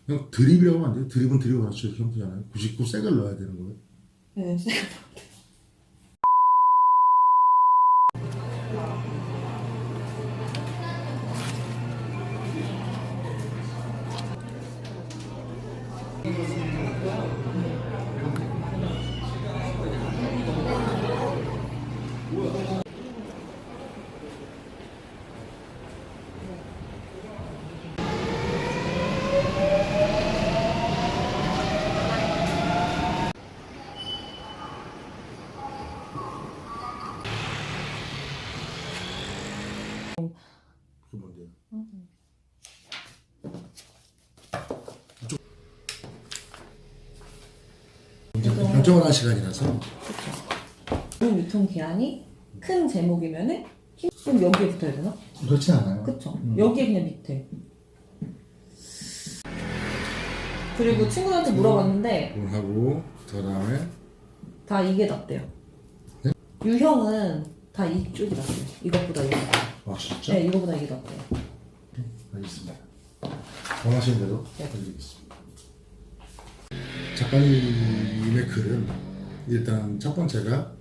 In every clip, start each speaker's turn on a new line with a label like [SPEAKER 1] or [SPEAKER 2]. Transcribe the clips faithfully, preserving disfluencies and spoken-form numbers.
[SPEAKER 1] 그냥 드립이라고 하면 안 돼요. 드립은 드립 그렇죠. 이렇게 하면 되잖아요. 굳이 꼭 색을 넣어야 되는 거예요.
[SPEAKER 2] 네, 색.
[SPEAKER 1] 그게 뭔데요?
[SPEAKER 2] 음.
[SPEAKER 1] 이제 결정을 할 시간이라서.
[SPEAKER 2] 그렇죠. 유통 기한이 큰 제목이면은 힘- 그럼 여기에 붙어야 되나?
[SPEAKER 1] 그렇지 않아요.
[SPEAKER 2] 그쵸.
[SPEAKER 1] 음.
[SPEAKER 2] 여기에 그냥 밑에. 그리고 친구한테 물어봤는데
[SPEAKER 1] 그걸 하고 그 다음에
[SPEAKER 2] 다 이게 낫대요.
[SPEAKER 1] 네?
[SPEAKER 2] 유형은 다 이쪽이 낫대요. 이것보다 이게.
[SPEAKER 1] 아 진짜?
[SPEAKER 2] 네, 이거보다 이게 낫대요.
[SPEAKER 1] 알겠습니다. 원하시는 대로
[SPEAKER 2] 네.
[SPEAKER 1] 해드리겠습니다. 작가님의 글은 일단 첫 번째가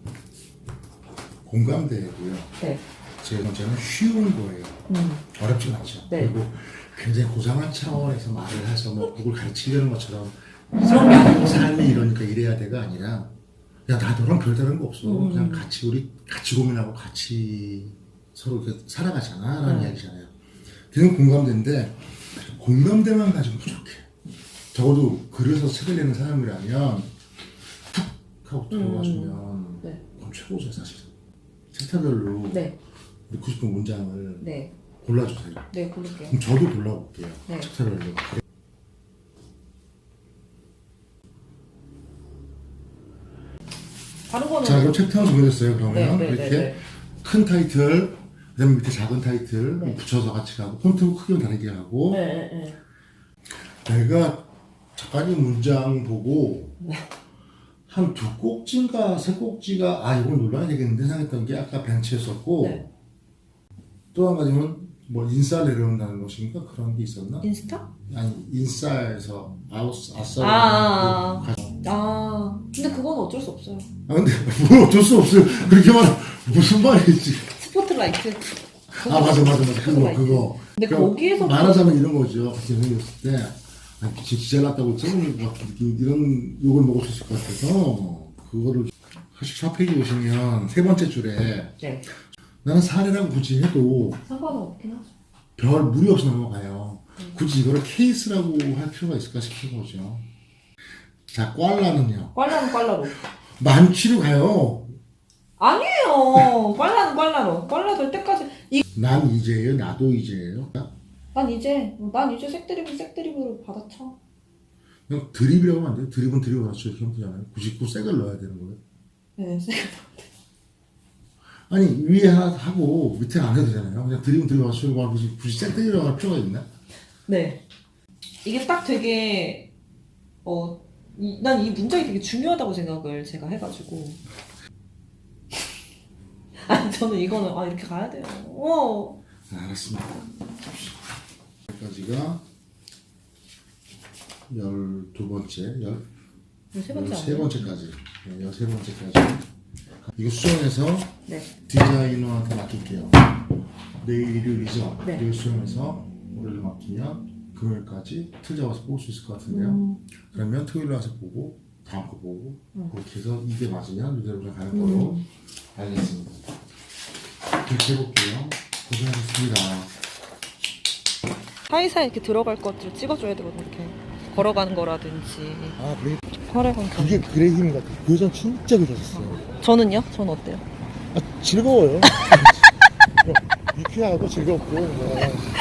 [SPEAKER 1] 공감대고요.
[SPEAKER 2] 네.
[SPEAKER 1] 제 번째는 쉬운 거예요.
[SPEAKER 2] 음.
[SPEAKER 1] 어렵진 않죠.
[SPEAKER 2] 네.
[SPEAKER 1] 그리고 굉장히 고상한 차원에서 말을 해서 뭐 누굴 가르치려는 것처럼
[SPEAKER 2] 그런 게 아니고.
[SPEAKER 1] 삶이 이러니까 이래야 돼가 아니라 야 나도랑 별다른 거 없어.
[SPEAKER 2] 음.
[SPEAKER 1] 그냥 같이 우리 같이 고민하고 같이 서로 이렇게 살아가잖아 라는
[SPEAKER 2] 음.
[SPEAKER 1] 이야기잖아요. 그냥 공감대인데 공감대만 가지고 부족해. 적어도 그래서 책을 내는 사람이라면 툭 하고 들어가주면
[SPEAKER 2] 음. 네.
[SPEAKER 1] 그건 최고죠 사실은. 챕터별로
[SPEAKER 2] 네.
[SPEAKER 1] 넣고 싶은 문장을
[SPEAKER 2] 네.
[SPEAKER 1] 골라주세요.
[SPEAKER 2] 네, 고를게요.
[SPEAKER 1] 그럼 저도 골라볼게요.
[SPEAKER 2] 네.
[SPEAKER 1] 챕터별로.
[SPEAKER 2] 다른 거는
[SPEAKER 1] 자, 그럼 챕터는 정해졌어요. 그러면
[SPEAKER 2] 네, 네,
[SPEAKER 1] 이렇게
[SPEAKER 2] 네, 네.
[SPEAKER 1] 큰 타이틀, 그다음에 밑에 작은 타이틀
[SPEAKER 2] 네.
[SPEAKER 1] 붙여서 같이 가고 폰트 크기는 다르게 하고.
[SPEAKER 2] 네, 네, 네.
[SPEAKER 1] 내가 작가님 문장 보고
[SPEAKER 2] 네.
[SPEAKER 1] 한 두 꼭지인가 세 꼭지가 아 이걸 눌러야 되겠는데 생각했던 게 아까 벤치였었고
[SPEAKER 2] 네.
[SPEAKER 1] 또 한 가지는 뭐 인싸 내려온다는 것인가 그런 게 있었나?
[SPEAKER 2] 인스타?
[SPEAKER 1] 아니 인싸에서 아우스 아싸.
[SPEAKER 2] 아, 아, 아. 아, 근데 그건 어쩔 수 없어요.
[SPEAKER 1] 아 근데 뭐 어쩔 수 없어요. 그렇게 말 무슨 말이지?
[SPEAKER 2] 스포트라이트.
[SPEAKER 1] 아 맞아 맞아 맞아 그거
[SPEAKER 2] 스포트라이트.
[SPEAKER 1] 그거.
[SPEAKER 2] 근데
[SPEAKER 1] 그러니까
[SPEAKER 2] 거기에서
[SPEAKER 1] 말하자면 이런 거죠. 그렇게 생겼을 때 아, 진짜 기절났다고 찍는 것 같은 느낌 이런 욕을 먹을 수 있을 것 같아서 그거를 사십사 페이지 보시면 세 번째 줄에
[SPEAKER 2] 네.
[SPEAKER 1] 나는 사례라고 굳이 해도
[SPEAKER 2] 상관은 없긴 하죠.
[SPEAKER 1] 별 무리 없이 넘어가요. 굳이 이거를 케이스라고 할 필요가 있을까 싶은 거죠. 자, 꽐라는요.
[SPEAKER 2] 꽐라는 꽐라로.
[SPEAKER 1] 만취로 가요.
[SPEAKER 2] 아니에요. 꽐라는 꽐라로. 꽐라 될 때까지. 이...
[SPEAKER 1] 난 이제예요. 나도 이제예요.
[SPEAKER 2] 난 이제, 난 이제 색드립은 색드립으로 받아쳐.
[SPEAKER 1] 그냥 드립이라고 하면 안 돼요. 드립은 드립 그렇죠. 이렇게 하면 되잖아요. 굳이 꼭 색을 넣어야 되는 거예요.
[SPEAKER 2] 네, 색.
[SPEAKER 1] 아니 위에 하나 하고 밑에 안 해도 되잖아요. 그냥 드립은 드립 맞추고 굳이 굳이 색드립이라고 할 필요가 있나?
[SPEAKER 2] 네. 이게 딱 되게, 어, 난 이 문장이 되게 중요하다고 생각을 제가 해가지고. 아니, 저는 이거는, 아, 이렇게 가야 돼요. 어.
[SPEAKER 1] 네, 알았습니다. 여기까지가 열두 번째, 열
[SPEAKER 2] 세 번째
[SPEAKER 1] 열세
[SPEAKER 2] 아니에요?
[SPEAKER 1] 번째까지, 네, 열세 번째까지. 이거 수정해서
[SPEAKER 2] 네.
[SPEAKER 1] 디자이너한테 맡길게요. 내일 일요일이죠.
[SPEAKER 2] 네.
[SPEAKER 1] 내일 수정해서 월요일 맡기면 금요일까지 틀 잡아서 뽑을 수 있을 것 같은데요.
[SPEAKER 2] 음.
[SPEAKER 1] 그러면 토요일 와서 보고 다음 거 보고
[SPEAKER 2] 음.
[SPEAKER 1] 그렇게 해서 이게 맞으면 이대로 그냥 가는 거로
[SPEAKER 2] 음.
[SPEAKER 1] 알겠습니다. 그렇게 해볼게요. 고생하셨습니다.
[SPEAKER 2] 사이사이 이렇게 들어갈 것들을 찍어줘야 되거든요. 이렇게 걸어가는 거라든지.
[SPEAKER 1] 아 그래?
[SPEAKER 2] 혈액은
[SPEAKER 1] 그게 글의 힘 같아. 그 여자 진짜 괜찮았어요.
[SPEAKER 2] 저는요? 저는 어때요?
[SPEAKER 1] 아 즐거워요. 유쾌하고 즐겁고 뭐.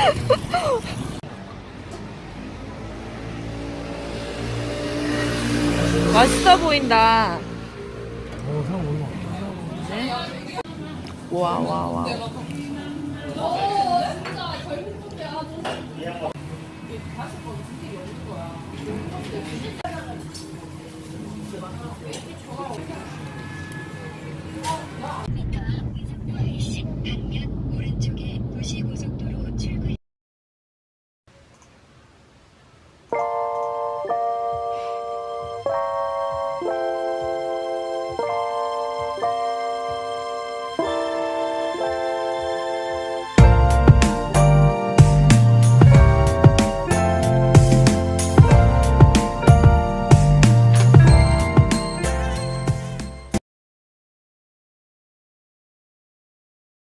[SPEAKER 2] 맛있어 보인다.
[SPEAKER 1] 어 사람 오는 것 같아.
[SPEAKER 2] 와, 와, 와.